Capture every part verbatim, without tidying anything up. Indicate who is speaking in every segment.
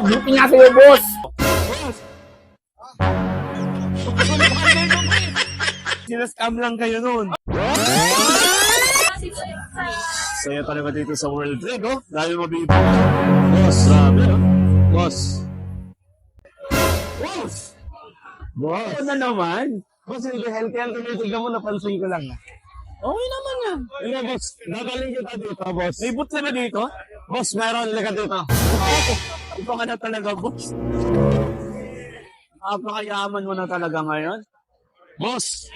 Speaker 1: buti nga sa'yo, boss.
Speaker 2: Boss! Sinascam lang kayo nun. Saya talaga dito sa World Trade, oh. Dahil mabibig. Boss, grabe, oh. Boss. Boss! Boss! Ano na naman? Boss, hindi healthy ang tinitignan mo, napansin ko lang. Okay naman yan. Hindi, boss. Dadaling kita dito, boss. May boot na dito? Boss, meron. Liga dito. Ito ka na talaga, boss. Napakayaman mo na talaga ngayon. Boss!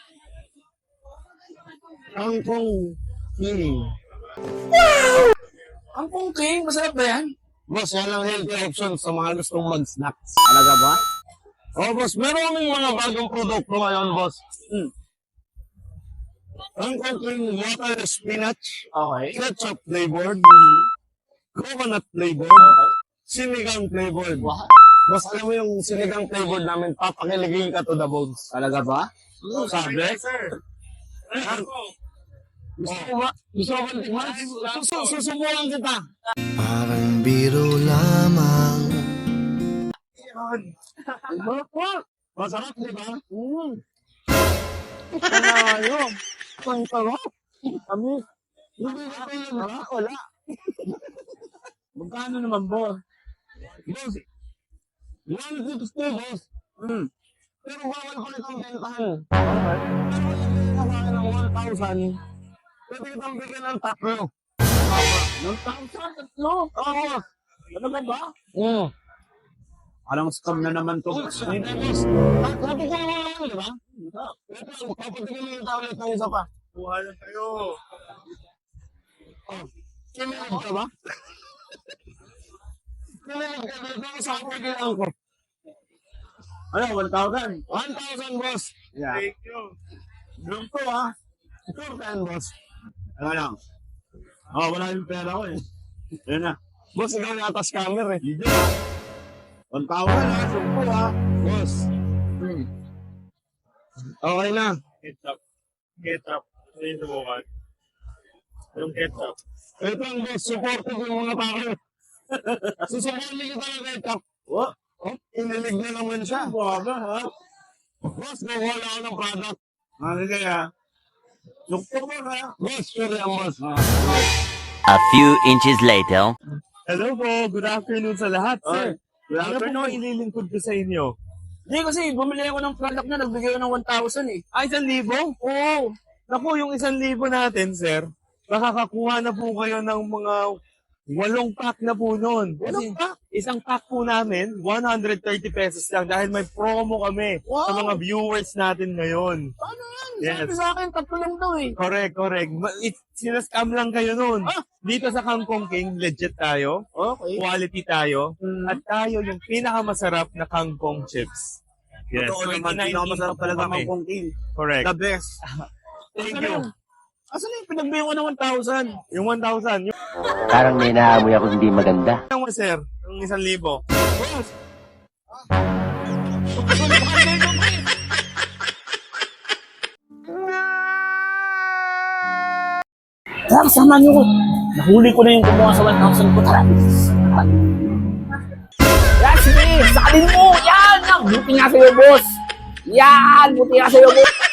Speaker 2: Ang kong king. Wow! Ang kong king? Masarap ba yan? Boss, yan ang healthy option sa mga gustong mag-snacks. Talaga ba? Oh, boss. Meron kaming mga bagong produkto ngayon, boss. Hmm. Ang kong king water spinach. Okay. Ketchup flavored. Mm-hmm. Coconut flavored. Okay. Sinigang flavored. What? Boss, alam mo yung sinigang flavored namin, papakiligin ka to the bones. Talaga ba? Hmm, sabi? Sir. Gusto mo ba? Gusto mo ba tikman? Sus- Susubukan kita.
Speaker 3: Parang biro lamang.
Speaker 2: Masarap, di ba? Mm. Panalo. Ang sarap. Kami. Hindi na tayo na. Wala. Magkano naman, boss? Boss, one fifty, boss. Hmm. Pero bawal ko nitong bentahan. Okay. Pero hindi na kaya ng one thousand. Pwede kitang bigyan ng tatlo. one thousand? Tatlo? Oo. Talaga ba? Oo. Parang scam na naman to. Hindi, boss. Sabi ko naman naman, di ba? Ito, papatigyan mo yung tablet ng isa pa. Buhay lang kayo. Oh. Kinilig ka ba? Kinilig ka dito sa pagilan ko. Ano, one thousand? one thousand, boss. Yeah. Thank you. Doon to, ha? two ten, boss. Ano lang? Oh, wala yung pera ko, eh. Yan na. Boss, ikaw yung atas camera, eh. Hindi na. one thousand, ha? Sumpo, ha? Boss. Hmm. Okay na.
Speaker 4: Ketchup. Ketchup. Ano yung subukan? Yung ketchup.
Speaker 2: Ito ang boss, supportive yung mga tao. Susubukan kita ng ketchup. What? Oh, inilig na naman siya. Baga, ha? Boss, nakuha ako ng product. Ano kaya? Sukto mo kaya? Boss, sure yan, boss.
Speaker 5: A few inches later.
Speaker 4: Hello po. Good afternoon sa lahat, sir.
Speaker 2: Good
Speaker 4: Ano po
Speaker 2: afternoon.
Speaker 4: ililingkod ko sa inyo?
Speaker 1: Hindi kasi bumili ako ng product na nagbigay ko ng one thousand eh.
Speaker 4: Ah, isang libo? Oo. Naku, yung isang libo natin, sir, makakakuha na po kayo ng mga walong pack na po nun. Kasi
Speaker 1: Walong pack?
Speaker 4: isang pack po namin, one hundred thirty pesos lang dahil may promo kami
Speaker 1: Wow.
Speaker 4: sa mga viewers natin ngayon.
Speaker 1: Paano yan?
Speaker 4: Yes.
Speaker 1: Sabi sa akin, tatlo lang daw eh.
Speaker 4: Correct, correct. Ma- It, sinascam lang kayo nun.
Speaker 1: Ah!
Speaker 4: Dito sa Kangkong King, legit tayo.
Speaker 1: Okay.
Speaker 4: Quality tayo.
Speaker 1: Mm.
Speaker 4: At tayo yung pinakamasarap na kangkong chips. Yes.
Speaker 2: Totoo naman,
Speaker 4: twenty nineteen
Speaker 2: pinakamasarap talaga
Speaker 4: po kami.
Speaker 2: ng kongking.
Speaker 4: Correct.
Speaker 2: The best.
Speaker 4: Thank you.
Speaker 1: Asan na yung pinagbigay ko ng one thousand?
Speaker 4: Yung one thousand. Yung
Speaker 5: Parang may naamoy ako hindi maganda.
Speaker 4: mo, sir. Yung isang libo.
Speaker 1: Boss! Tara, kasama niyo ko. Nahuli ko na yung kumuha sa one thousand ko. Tara. Yan, sige. Sakalin mo. Yan. Buti nga sa'yo, boss. Yan. Buti nga sa'yo, boss.